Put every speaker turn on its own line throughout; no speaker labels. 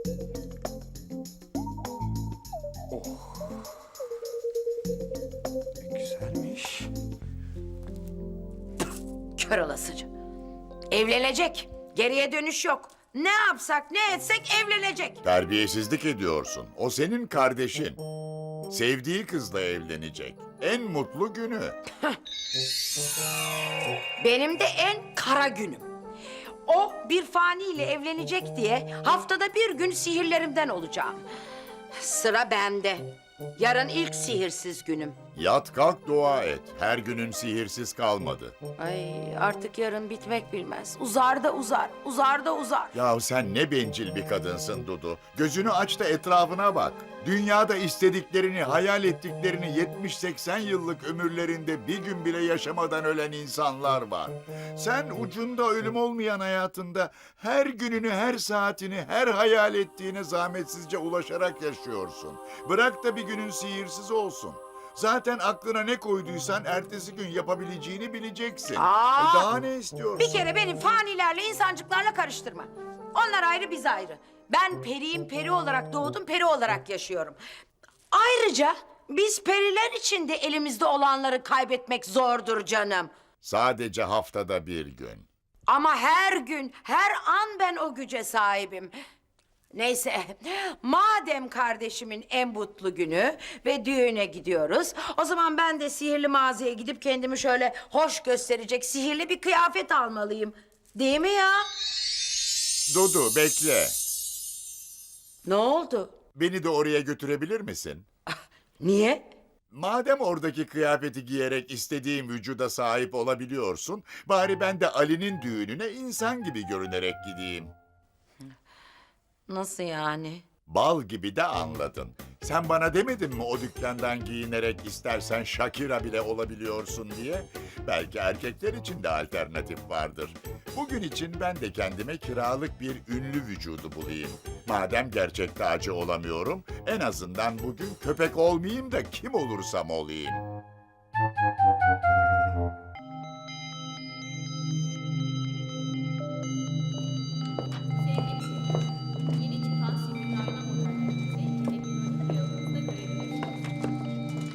Oh. Ne güzelmiş.
Kör olasıca. Evlenecek. Geriye dönüş yok. Ne yapsak ne etsek evlenecek.
Terbiyesizlik ediyorsun. O senin kardeşin. Sevdiği kızla evlenecek. En mutlu günü.
Benim de en kara günüm. O bir faniyle evlenecek diye haftada bir gün sihirlerimden olacağım. Sıra bende. Yarın ilk sihirsiz günüm.
Yat kalk dua et. Her günün sihirsiz kalmadı.
Ay artık yarın bitmek bilmez. Uzar da uzar, uzar da uzar.
Ya sen ne bencil bir kadınsın Dudu. Gözünü aç da etrafına bak. Dünyada istediklerini, hayal ettiklerini 70-80 yıllık ömürlerinde bir gün bile yaşamadan ölen insanlar var. Sen ucunda ölüm olmayan hayatında her gününü, her saatini, her hayal ettiğine zahmetsizce ulaşarak yaşıyorsun. Bırak da bir günün sihirsiz olsun. Zaten aklına ne koyduysan ertesi gün yapabileceğini bileceksin. Daha ne istiyorsun?
Bir kere benim fanilerle, insancıklarla karıştırma. Onlar ayrı, biz ayrı. Ben periyim, peri olarak doğdum, peri olarak yaşıyorum. Ayrıca biz periler için de elimizde olanları kaybetmek zordur canım.
Sadece haftada bir gün.
Ama her gün, her an ben o güce sahibim. Neyse, madem kardeşimin en mutlu günü ve düğüne gidiyoruz... ...o zaman ben de sihirli mağazaya gidip kendimi şöyle hoş gösterecek sihirli bir kıyafet almalıyım. Değil mi ya?
Dudu bekle.
Ne oldu?
Beni de oraya götürebilir misin?
Niye?
Madem oradaki kıyafeti giyerek istediğim vücuda sahip olabiliyorsun... ...bari ben de Ali'nin düğününe insan gibi görünerek gideyim.
Nasıl yani?
Bal gibi de anladın. Sen bana demedin mi o dükkandan giyinerek istersen Shakira bile olabiliyorsun diye? Belki erkekler için de alternatif vardır. Bugün için ben de kendime kiralık bir ünlü vücudu bulayım. Madem gerçek tacı olamıyorum, en azından bugün köpek olmayayım da kim olursam olayım.
Yeni çıkan sihirli ayna modellerinizi teknolojik cihazınızda görebilirsiniz.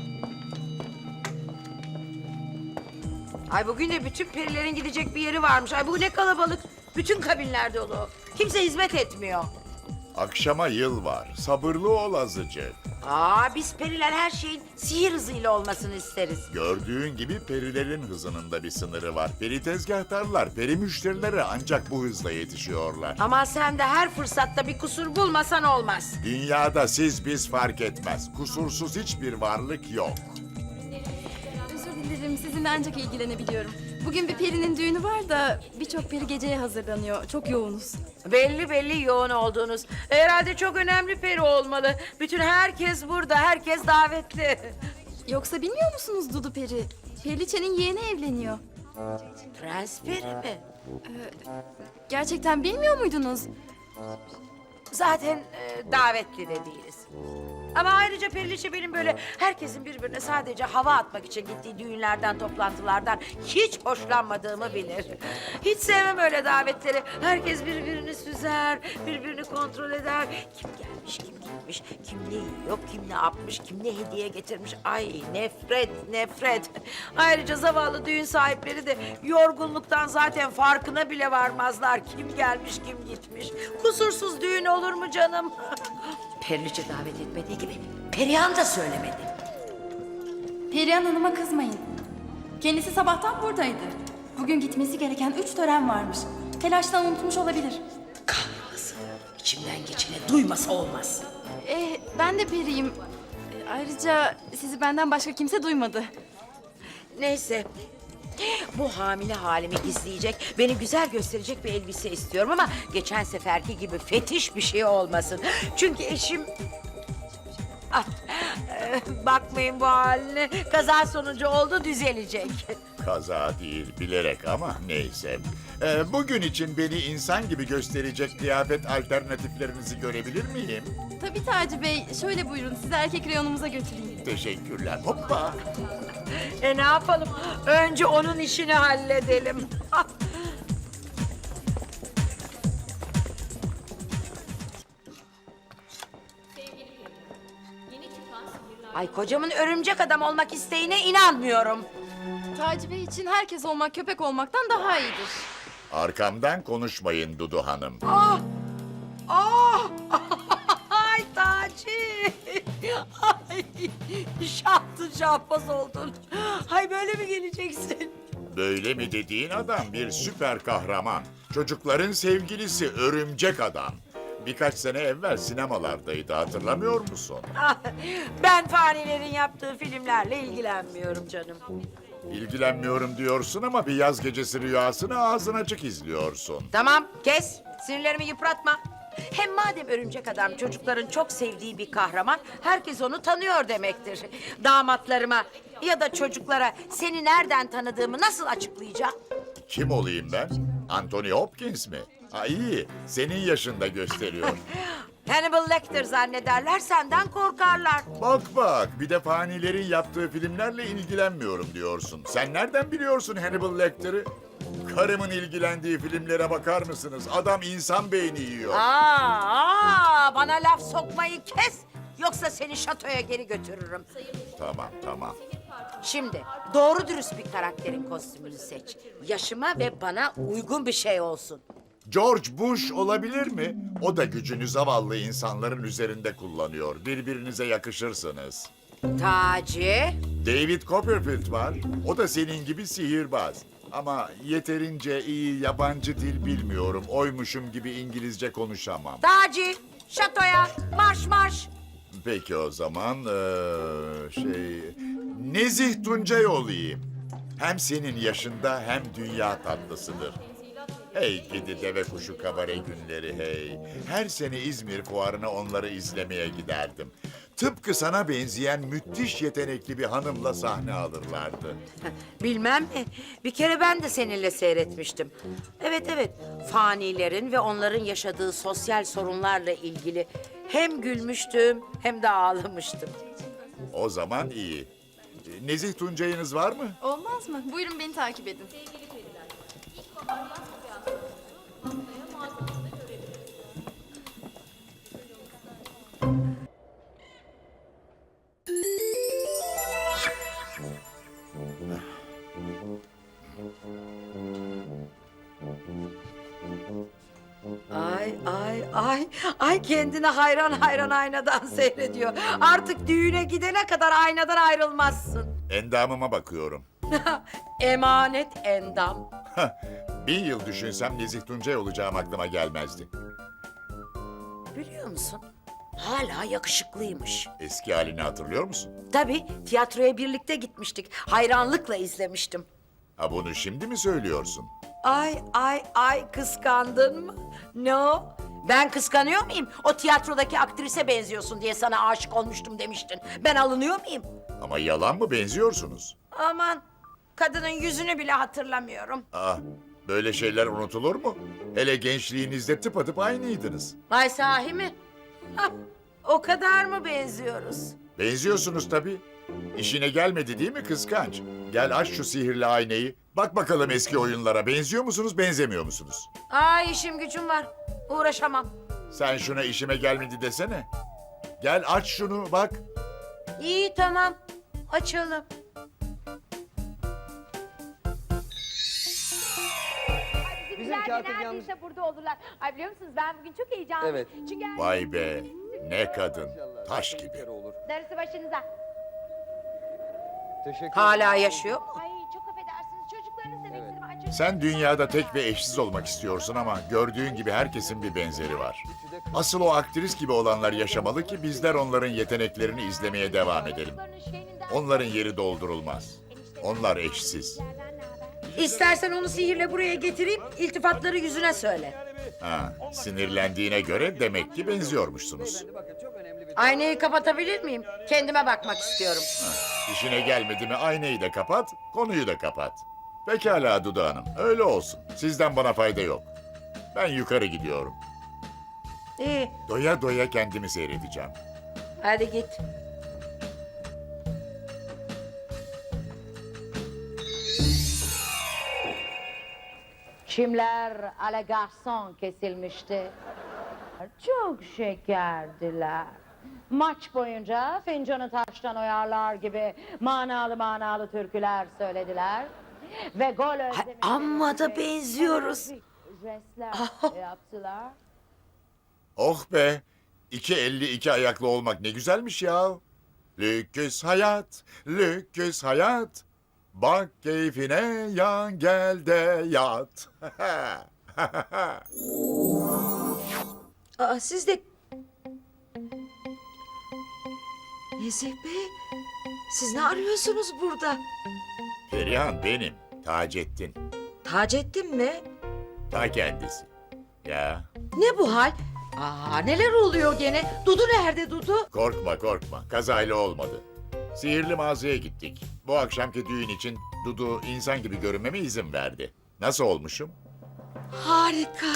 Ay bugün de bütün perilerin gidecek bir yeri varmış. Ay bu ne kalabalık. Bütün kabinler dolu. Kimse hizmet etmiyor.
Akşama yıl var, sabırlı ol azıcık.
Biz periler her şeyin sihir hızıyla olmasını isteriz.
Gördüğün gibi perilerin hızının da bir sınırı var. Peri tezgahtarlar, peri müşterilere ancak bu hızla yetişiyorlar.
Ama sen de her fırsatta bir kusur bulmasan olmaz.
Dünyada siz biz fark etmez. Kusursuz hiçbir varlık yok.
Özür dilerim, sizinle ancak ilgilenebiliyorum. Bugün bir perinin düğünü var da birçok peri geceye hazırlanıyor. Çok yoğunuz.
Belli belli yoğun olduğunuz. Herhalde çok önemli peri olmalı. Bütün herkes burada, herkes davetli.
Yoksa bilmiyor musunuz Dudu Peri? Periliçe'nin yeğeni evleniyor.
Prens peri mi?
Gerçekten bilmiyor muydunuz?
Zaten davetli de değiliz. Ama ayrıca Periliçe benim böyle herkesin birbirine sadece hava atmak için gittiği düğünlerden, toplantılardan hiç hoşlanmadığımı bilir. Hiç sevmem öyle davetleri. Herkes birbirini süzer, birbirini kontrol eder. Kim gelmiş, kim gitmiş, kim ne yiyor, kim ne yapmış, kim ne hediye getirmiş. Ay nefret, nefret. Ayrıca zavallı düğün sahipleri de yorgunluktan zaten farkına bile varmazlar. Kim gelmiş, kim gitmiş. Kusursuz düğün olur mu canım? Periliçe davet etmediği gibi Perihan da söylemedi.
Perihan Hanım'a kızmayın. Kendisi sabahtan buradaydı. Bugün gitmesi gereken 3 tören varmış. Telaştan unutmuş olabilir.
Kahretsin. İçimden geçeni duymasa olmaz.
Ben de periyim. Ayrıca sizi benden başka kimse duymadı.
Neyse. Bu hamile halimi gizleyecek, beni güzel gösterecek bir elbise istiyorum ama geçen seferki gibi fetiş bir şey olmasın. Çünkü eşim... Bakmayın bu haline. Kaza sonucu oldu, düzelecek.
Kaza değil, bilerek ama neyse. Bugün için beni insan gibi gösterecek kıyafet alternatiflerinizi görebilir miyim?
Tabii Taci Bey. Şöyle buyurun, sizi erkek reyonumuza götüreyim.
Teşekkürler. Hoppa!
Ne yapalım? Önce onun işini halledelim. Ay kocamın örümcek adam olmak isteğine inanmıyorum.
Taci Bey için herkes olmak köpek olmaktan daha iyidir.
Arkamdan konuşmayın Dudu Hanım.
Ah! Ah! Ay Taci! Ay! Şahtın şahbaz oldun. Hay böyle mi geleceksin?
Böyle mi dediğin adam bir süper kahraman. Çocukların sevgilisi örümcek adam. Birkaç sene evvel sinemalardaydı, hatırlamıyor musun?
Ah, ben fanilerin yaptığı filmlerle ilgilenmiyorum canım.
İlgilenmiyorum diyorsun ama bir yaz gecesi rüyasını ağzın açık izliyorsun.
Tamam kes. Sinirlerimi yıpratma. Hem madem örümcek adam çocukların çok sevdiği bir kahraman, herkes onu tanıyor demektir. Damatlarıma ya da çocuklara seni nereden tanıdığımı nasıl açıklayacağım?
Kim olayım ben? Anthony Hopkins mi? Ha iyi, senin yaşında gösteriyor.
Hannibal Lecter zannederler, senden korkarlar.
Bak bak, bir de fanilerin yaptığı filmlerle ilgilenmiyorum diyorsun. Sen nereden biliyorsun Hannibal Lecter'ı? Karımın ilgilendiği filmlere bakar mısınız? Adam insan beyni yiyor.
Bana laf sokmayı kes. Yoksa seni şatoya geri götürürüm.
Tamam, tamam.
Şimdi doğru dürüst bir karakterin kostümünü seç. Yaşıma ve bana uygun bir şey olsun.
George Bush olabilir mi? O da gücünü zavallı insanların üzerinde kullanıyor. Birbirinize yakışırsınız.
Taci.
David Copperfield var. O da senin gibi sihirbaz. Ama yeterince iyi yabancı dil bilmiyorum. Oymuşum gibi İngilizce konuşamam.
Taci. Şatoya. Marş marş.
Peki o zaman Nezih Tuncay olayım. Hem senin yaşında hem dünya tatlısıdır. Hey gidi deve kuşu kabare günleri hey. Her sene İzmir fuarına onları izlemeye giderdim. Tıpkı sana benzeyen müthiş yetenekli bir hanımla sahne alırlardı.
Bilmem mi? Bir kere ben de seninle seyretmiştim. Evet evet. Fanilerin ve onların yaşadığı sosyal sorunlarla ilgili hem gülmüştüm hem de ağlamıştım.
O zaman iyi. Nezih Tuncay'ınız var mı?
Olmaz mı? Buyurun beni takip edin.
Ay kendine hayran hayran aynadan seyrediyor. Artık düğüne gidene kadar aynadan ayrılmazsın.
Endamıma bakıyorum.
Emanet endam.
1000 yıl düşünsem Nezih Tuncay olacağım aklıma gelmezdi.
Biliyor musun? Hala yakışıklıymış.
Eski halini hatırlıyor musun?
Tabii tiyatroya birlikte gitmiştik. Hayranlıkla izlemiştim.
Ha bunu şimdi mi söylüyorsun?
Ay kıskandın mı? Ne o? Ben kıskanıyor muyum? O tiyatrodaki aktrise benziyorsun diye sana aşık olmuştum demiştin. Ben alınıyor muyum?
Ama yalan mı benziyorsunuz?
Aman kadının yüzünü bile hatırlamıyorum.
Ah böyle şeyler unutulur mu? Hele gençliğinizde tıpatıp aynıydınız.
Ay sahi mi? Hah, o kadar mı benziyoruz?
Benziyorsunuz tabii. İşine gelmedi değil mi kıskanç? Gel aç şu sihirli aynayı. Bak bakalım eski oyunlara benziyor musunuz benzemiyor musunuz?
Ay işim gücüm var. Uğraşamam.
Sen şuna işime gelmedi desene. Gel aç şunu bak.
İyi tamam. Açalım.
Bizimkiler de neredeyse burada olurlar. Ay biliyor musunuz ben bugün çok heyecanlıyım.
Evet.
Çünkü
Vay be ne kadın. Taş gibi.
Olur.
darısı başınıza.
Teşekkür
Hala yaşıyor mu?
Ay çok affedersiniz çocuklarınız da bekledim. Ay, çocuklarınız
Sen
da-
dünyada tek ve eşsiz olmak istiyorsun ama gördüğün gibi herkesin bir benzeri var. Asıl o aktris gibi olanlar yaşamalı ki bizler onların yeteneklerini izlemeye devam edelim.
Çocuklarının şeyinden-
Onların yeri doldurulmaz. Onlar eşsiz.
İstersen onu sihirle buraya getireyim, iltifatları yüzüne söyle.
Ha, sinirlendiğine göre demek ki benziyormuşsunuz.
Aynayı kapatabilir miyim? Kendime bakmak istiyorum.
İşine gelmedi mi aynayı da kapat, konuyu da kapat. Pekala Dudu Hanım, öyle olsun. Sizden bana fayda yok. Ben yukarı gidiyorum.
İyi,
Doya doya kendimi seyredeceğim.
hadi git. Çimler ala garson kesilmişti. Çok şekerdiler.
Maç boyunca fincanı taştan oyarlar gibi manalı türküler söylediler. Ve gol özlemi...
amma da benziyoruz.
Jestler yaptılar.
Oh be! 2,52 ayaklı olmak ne güzelmiş ya. Lüküs hayat, lüküs hayat. Bak keyfine yan gel de yat.
Aa, siz de... Nezih Bey, siz ne arıyorsunuz burada?
Perihan benim, Taceddin.
Taceddin mi?
Ta kendisi. Ya
Ne bu hal? Aa, neler oluyor gene? Dudu nerede Dudu?
korkma korkma, kazayla olmadı. Sihirli mağazaya gittik. Bu akşamki düğün için Dudu insan gibi görünmeme izin verdi. Nasıl olmuşum?
Harika.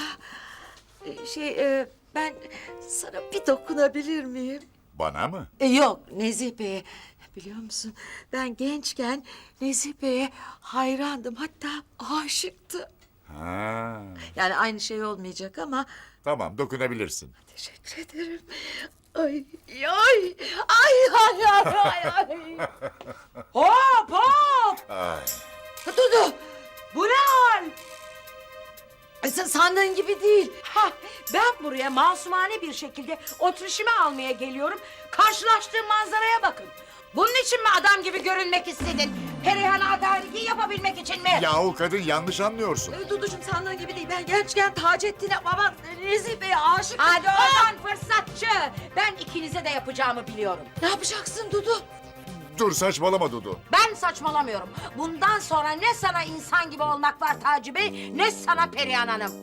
Ben sana bir dokunabilir miyim?
Bana mı?
Yok, Nezih Bey'e. Biliyor musun, ben gençken Nezih Bey'e hayrandım. Hatta aşıktım.
Ha.
Yani aynı şey olmayacak ama...
Tamam, dokunabilirsin.
Teşekkür ederim. Ay, ay, ay, ay, ay, ay.
Hop hop!
Ay.
Dudu,
Bu ne hal?
sen sandığın gibi değil.
Ha, ben buraya masumane bir şekilde oturuşumu almaya geliyorum. Karşılaştığım manzaraya bakın. Bunun için mi adam gibi görünmek istedin? Perihan'a adaleti yapabilmek için mi?
Yahu kadın yanlış anlıyorsun.
Duducuğum sandığın gibi değil. Ben gençken Taceddin'e, aman Nezih Bey'e aşıktım.
Hadi oradan fırsatçı. Ben ikinize de yapacağımı biliyorum.
Ne yapacaksın Dudu?
Dur saçmalama Dudu.
Ben saçmalamıyorum. Bundan sonra ne sana insan gibi olmak var Taci Bey, ne sana Perihan Hanım.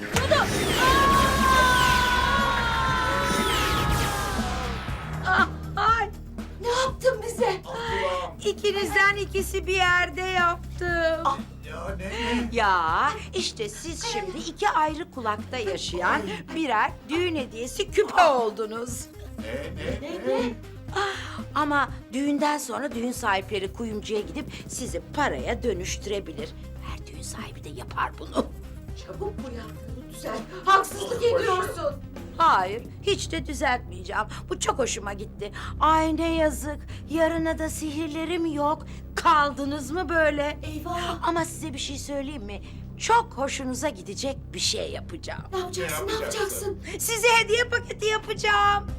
Ay, ne yaptın bize?
İkinizden ikisi bir yerde yaptım.
Ya ne?
Ya işte siz şimdi iki ayrı kulakta yaşayan birer düğün hediyesi küpe oldunuz.
Ne?
Ama düğünden sonra düğün sahipleri kuyumcuya gidip sizi paraya dönüştürebilir. Her düğün sahibi de yapar bunu.
Çabuk bu yaptığını düzelt. Haksızlık ediyorsun.
Hayır, hiç de düzeltmeyeceğim. Bu çok hoşuma gitti. Ay ne yazık, yarına da sihirlerim yok. Kaldınız mı böyle?
Eyvah.
Ama size bir şey söyleyeyim mi? Çok hoşunuza gidecek bir şey yapacağım.
Ne yapacaksın, ne yapacaksın?
Size hediye paketi yapacağım.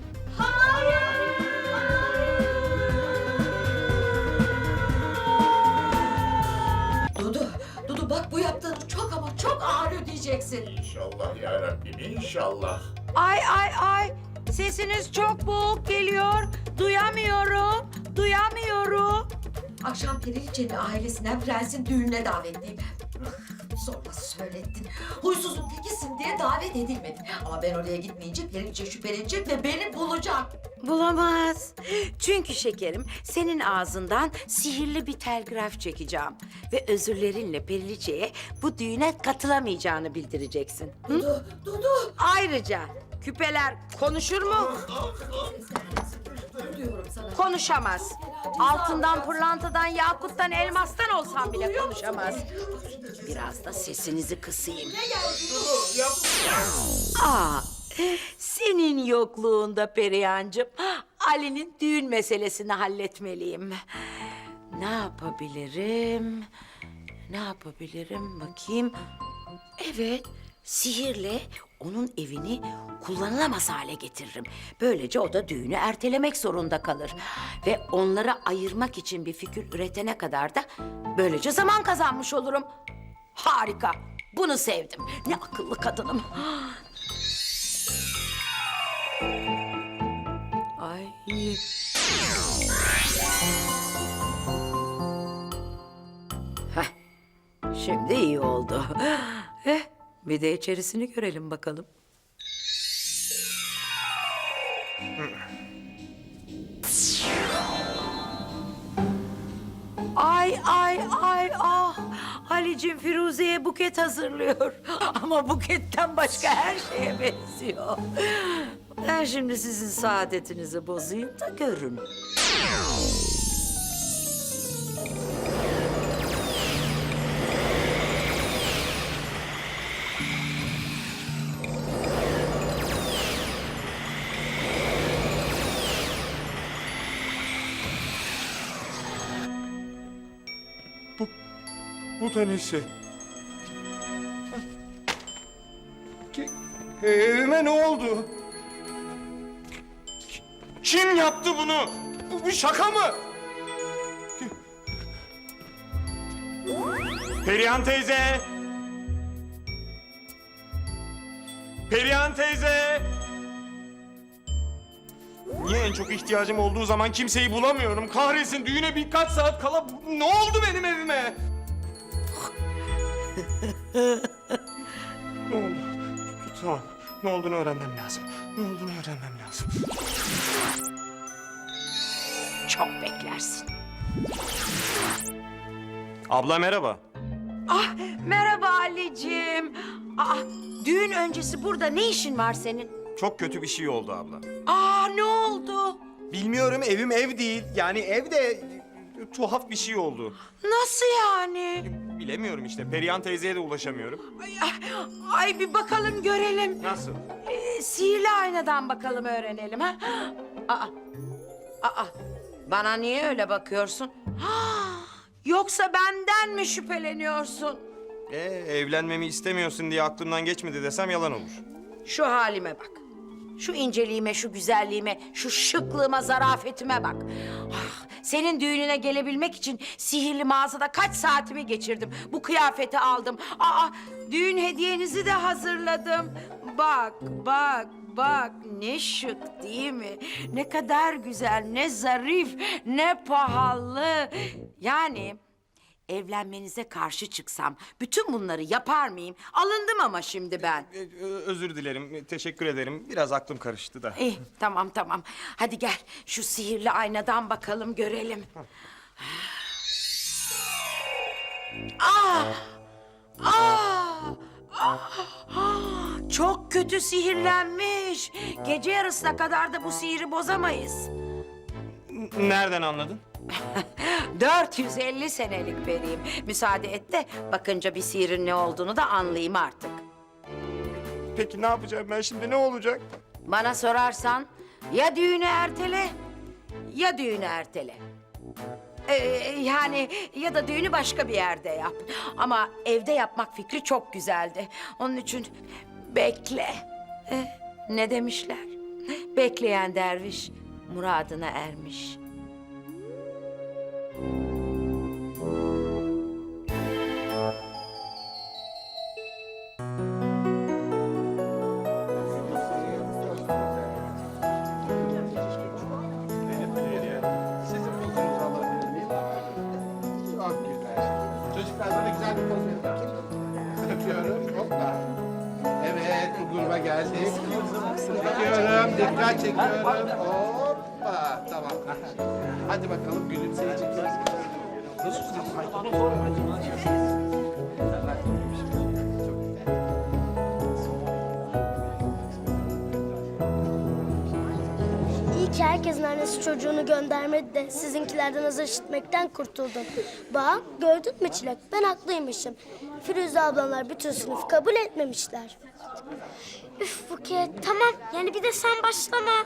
Dudu bak bu yaptığını çok ama çok ağır ödeyeceksin.
İnşallah ya Rabbim inşallah.
Ay, sesiniz çok boğuk geliyor. Duyamıyorum.
Akşam Periliçe'nin ailesinden prensin düğününe davetliyim. Zorla söylettin. Huysuzun tekisin diye davet edilmedin. Ama ben oraya gitmeyince Periliçe şüphelenecek ve beni bulacak.
Bulamaz. Çünkü şekerim senin ağzından sihirli bir telgraf çekeceğim. Ve özürlerinle Periliçe'ye bu düğüne katılamayacağını bildireceksin. Hı?
Dudu.
Ayrıca küpeler konuşur mu?
Diyorum sana.
Konuşamaz. Altından, pırlantadan, yakuttan, elmastan olsam bile konuşamaz. Biraz da sesinizi kısayım. Aa, senin yokluğunda Perihancığım, Ali'nin düğün meselesini halletmeliyim. Ne yapabilirim bakayım. Evet, sihirle onun evini kullanılamaz hale getiririm. Böylece o da düğünü ertelemek zorunda kalır. Ve onları ayırmak için bir fikir üretene kadar da böylece zaman kazanmış olurum. Harika, bunu sevdim. Ne akıllı kadınım. Ay. Heh, şimdi iyi oldu. Bir de içerisini görelim bakalım. Ay ah! Halicim Firuze'ye buket hazırlıyor. Ama buketten başka her şeye benziyor. Ben şimdi sizin saadetinizi bozayım da görün.
Bu da nesi? Evime ne oldu? Kim yaptı bunu? Bu bir şaka mı? Perihan teyze! Perihan teyze! Niye en çok ihtiyacım olduğu zaman kimseyi bulamıyorum? Kahretsin, düğüne birkaç saat kala ne oldu benim evime? Ne oldu? Tamam. Ne olduğunu öğrenmem lazım. Ne olduğunu öğrenmem lazım.
Çok beklersin.
Abla merhaba.
Ah, merhaba Ali'cim. Düğün öncesi burada ne işin var senin?
Çok kötü bir şey oldu abla.
Ne oldu?
Bilmiyorum, evim ev değil. Yani evde tuhaf bir şey oldu.
Nasıl yani?
Bilemiyorum işte. Perihan teyzeye de ulaşamıyorum.
Ay bir bakalım görelim.
Nasıl?
Sihirli aynadan bakalım öğrenelim ha. Bana niye öyle bakıyorsun? Yoksa benden mi şüpheleniyorsun?
Evlenmemi istemiyorsun diye aklımdan geçmedi desem yalan olur.
Şu halime bak. Şu inceliğime, şu güzelliğime, şu şıklığıma, zarafetime bak. Senin düğününe gelebilmek için sihirli mağazada kaç saatimi geçirdim. Bu kıyafeti aldım. Düğün hediyenizi de hazırladım. Bak ne şık değil mi? Ne kadar güzel, ne zarif, ne pahalı. Yani evlenmenize karşı çıksam bütün bunları yapar mıyım? Alındım ama şimdi ben.
Özür dilerim, teşekkür ederim. Biraz aklım karıştı da.
İyi, tamam. Hadi gel şu sihirli aynadan bakalım görelim. Çok kötü sihirlenmiş. Gece yarısına kadar da bu sihiri bozamayız.
Nereden anladın?
450 senelik periyim. Müsaade et de bakınca bir sihirin ne olduğunu da anlayayım artık.
Peki ne yapacağım ben şimdi, ne olacak?
Bana sorarsan ya düğünü ertele ya düğünü ertele. Yani ya da düğünü başka bir yerde yap. Ama evde yapmak fikri çok güzeldi. Onun için bekle. Ne demişler? Bekleyen derviş muradına ermiş.
Çocuklar bana güzel bir poz verin bakayım. Öpüyorum. Hoppa. Evet, bu gruba geldik. Çekiyorum, dikkat çekiyorum. Hoppa. Tamam. Hadi bakalım gülümseyeceksiniz.
İyi ki herkesin annesi çocuğunu göndermedi de sizinkilerden azar işitmekten kurtuldum. Bak gördün mü Çilek, ben haklıymışım. Firuze ablamlar bütün sınıfı kabul etmemişler. Üf Buket, tamam yani bir de sen başlama.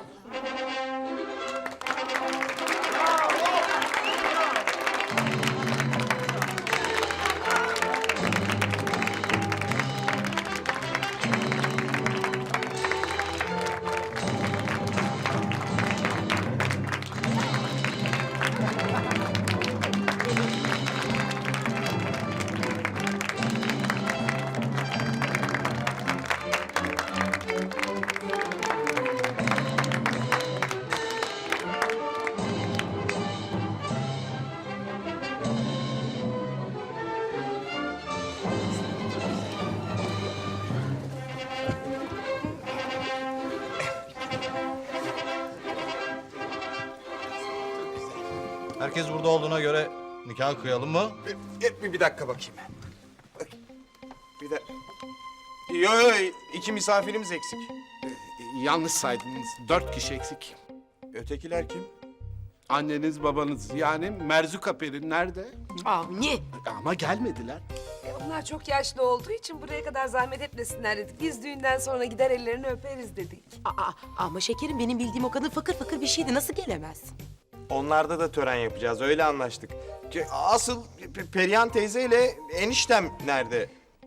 Herkes burada olduğuna göre nikah kıyalım mı?
Bir dakika bakayım. Bir de... Yo, 2 misafirimiz eksik.
Yanlış saydınız. 4 kişi eksik.
Ötekiler kim?
Anneniz, babanız yani Merzuka Peri nerede?
Avni.
Ama gelmediler.
Onlar çok yaşlı olduğu için buraya kadar zahmet etmesinler dedik. Biz düğünden sonra gider ellerini öperiz dedik.
Ama şekerim benim bildiğim o kadın fakir fakir bir şeydi. Nasıl gelemez?
Onlarda da tören yapacağız, öyle anlaştık. Asıl Perihan teyzeyle eniştem nerede?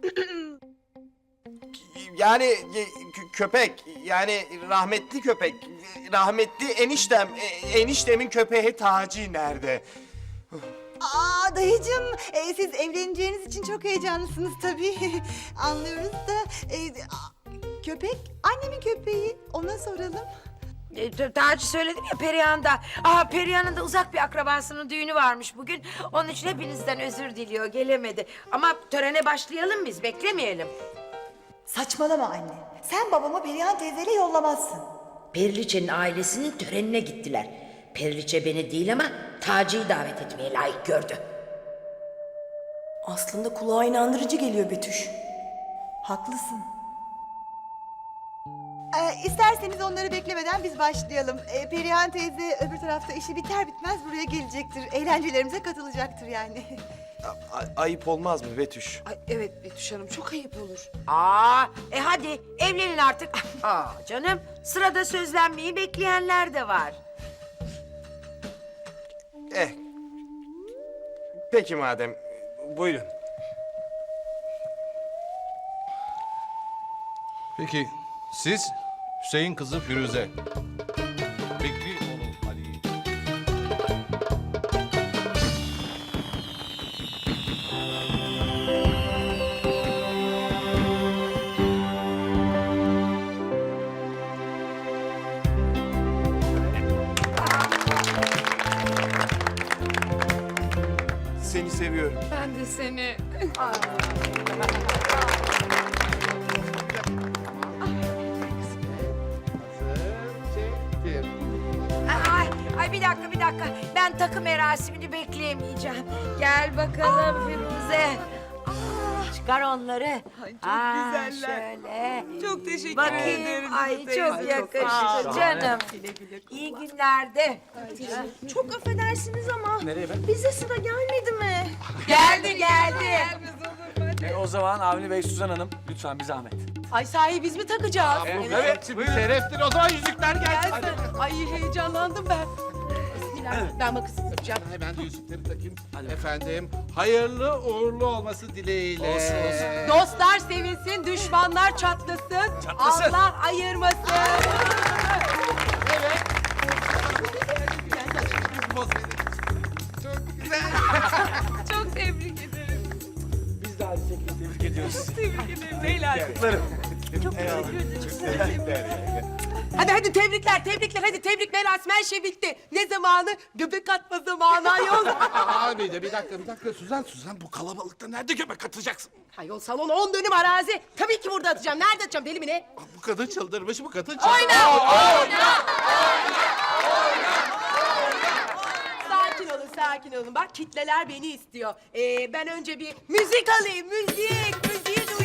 Yani köpek, yani rahmetli köpek, rahmetli eniştem, eniştemin köpeği Taci nerede?
Aa dayıcığım, siz evleneceğiniz için çok heyecanlısınız tabii. Anlıyoruz da köpek annemin köpeği, ona soralım.
Daha önce söyledim ya Perihan'da. Perihan'ın da uzak bir akrabasının düğünü varmış bugün. Onun için hepinizden özür diliyor, gelemedi. Ama törene başlayalım biz, beklemeyelim.
Saçmalama anne. Sen babamı Perihan teyzeyle yollamazsın.
Periliçe'nin ailesinin törenine gittiler. Periliçe beni değil ama Taci'yi davet etmeye layık gördü.
Aslında kulağa inandırıcı geliyor Betüş. Haklısın. İsterseniz onları beklemeden biz başlayalım. Perihan teyze öbür tarafta işi biter bitmez buraya gelecektir. Eğlencelerimize katılacaktır yani.
Ayıp olmaz mı Betüş?
Ay, evet Betüş Hanım, çok ayıp olur.
Hadi evlenin artık. Canım, sırada sözlenmeyi bekleyenler de var.
Peki madem, buyurun.
Peki siz Hüseyin kızı Firuze. Bekri oğlu Ali.
Seni seviyorum.
Ben de seni.
Çektim.
Ay bir dakika. Ben takım merasimini bekleyemeyeceğim. Gel bakalım Firuze. Çıkar onları.
Ay, çok güzeller.
Şöyle.
Çok teşekkür
Bakayım.
ederim.
Ay
teyze.
çok yakıştı canım. İyi günlerde.
Çok affedersiniz ama bize sıra gelmedi mi?
Geldi.
O zaman Avni Bey, Suzan Hanım lütfen bir zahmet.
Ay sahi biz mi takacağız?
Evet, şimdi şereftir. O zaman yüzükler gelsin.
Ay heyecanlandım ben. Ben makası tutacağım.
Hemen de yüzükleri takayım. Efendim, hayırlı uğurlu olması dileğiyle.
Olsun.
Dostlar sevinsin, düşmanlar çatlasın. Allah ayırmasın.
Evet. Çok güzel.
Çok tebrik ederim.
Biz de aynı şekilde tebrik ediyoruz.
Tebrik ederim beyler.
Çok teşekkür ederim.
Hadi tebrikler. Hadi tebrik merasimi her şey bitti. Ne zamanı? Göbek atma zamanı ayol.
Abi de bir dakika. Suzan bu kalabalıkta nerede göbek atacaksın?
Ayol salon 10 dönüm arazi. Tabii ki burada atacağım. Nerede atacağım? Deli mi ne?
Bu kadın çıldırmış, bu kadın
Sakin olun. Bak kitleler beni istiyor. Ben önce bir müzik alayım. Müziği duyayım.